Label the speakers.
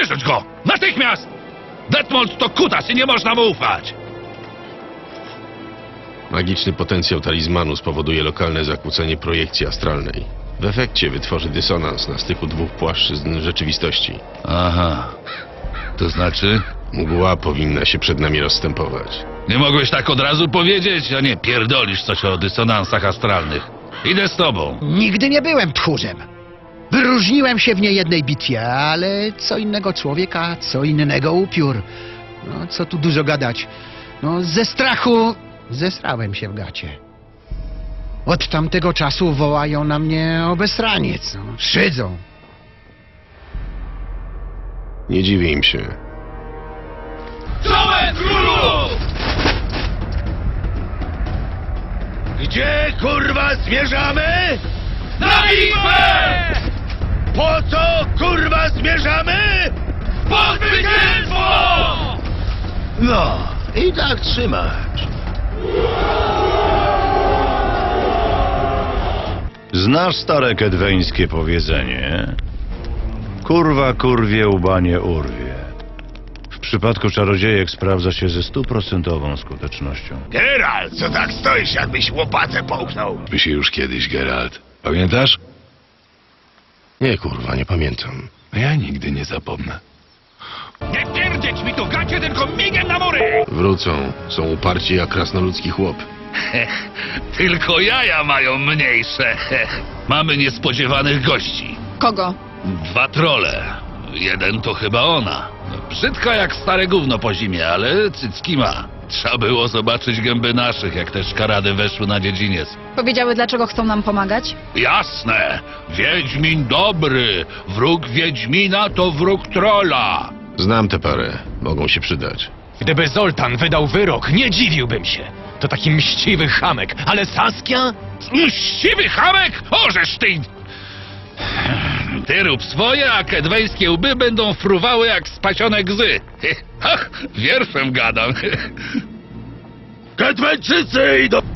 Speaker 1: Wyrzuć go! Natychmiast! Detmold to kutas i nie można mu ufać!
Speaker 2: Magiczny potencjał talizmanu spowoduje lokalne zakłócenie projekcji astralnej. W efekcie wytworzy dysonans na styku dwóch płaszczyzn rzeczywistości.
Speaker 1: Aha. To znaczy?
Speaker 2: Mgła powinna się przed nami rozstępować.
Speaker 1: Nie mogłeś tak od razu powiedzieć, a nie pierdolisz coś o dysonansach astralnych. Idę z tobą.
Speaker 3: Nigdy nie byłem tchórzem. Wyróżniłem się w niejednej bitwie, ale co innego człowieka, co innego upiór. No, co tu dużo gadać. No, ze strachu zesrałem się w gacie. Od tamtego czasu wołają na mnie obesraniec. No, szydzą.
Speaker 2: Nie dziwię im się.
Speaker 1: Czołem królu!
Speaker 4: Gdzie kurwa zmierzamy?
Speaker 1: Na bitwę!
Speaker 4: Po co kurwa zmierzamy?
Speaker 1: Po zwycięstwo!
Speaker 4: No, i tak trzymać.
Speaker 5: Znasz stare kedweńskie powiedzenie? Kurwa kurwie, łba nie urwie. W przypadku czarodziejek sprawdza się ze 100% skutecznością.
Speaker 4: Geralt, co tak stoisz, jakbyś łopatę połknął?
Speaker 6: By się już kiedyś, Geralt. Pamiętasz?
Speaker 2: Nie, kurwa, nie pamiętam.
Speaker 6: Ja nigdy nie zapomnę.
Speaker 1: Nie pierdzieć mi tu gacie, tylko migiem na mury!
Speaker 2: Wrócą. Są uparci jak krasnoludzki chłop.
Speaker 1: Tylko jaja mają mniejsze. Mamy niespodziewanych gości.
Speaker 7: Kogo?
Speaker 1: 2 trolle. Jeden to chyba ona. No, brzydka jak stare gówno po zimie, ale cycki ma. Trzeba było zobaczyć gęby naszych, jak te szkarady weszły na dziedziniec.
Speaker 7: Powiedziały, dlaczego chcą nam pomagać?
Speaker 1: Jasne! Wiedźmin dobry! Wróg Wiedźmina to wróg trolla!
Speaker 2: Znam tę parę. Mogą się przydać.
Speaker 8: Gdyby Zoltan wydał wyrok, nie dziwiłbym się. To taki mściwy chamek, ale Saskia?
Speaker 1: Mściwy chamek! Ożeż ty! Ty rób swoje, a kedweńskie łby będą fruwały jak spasione gzy. Ach, wierszem gadam.
Speaker 4: Kedweńczycy idą!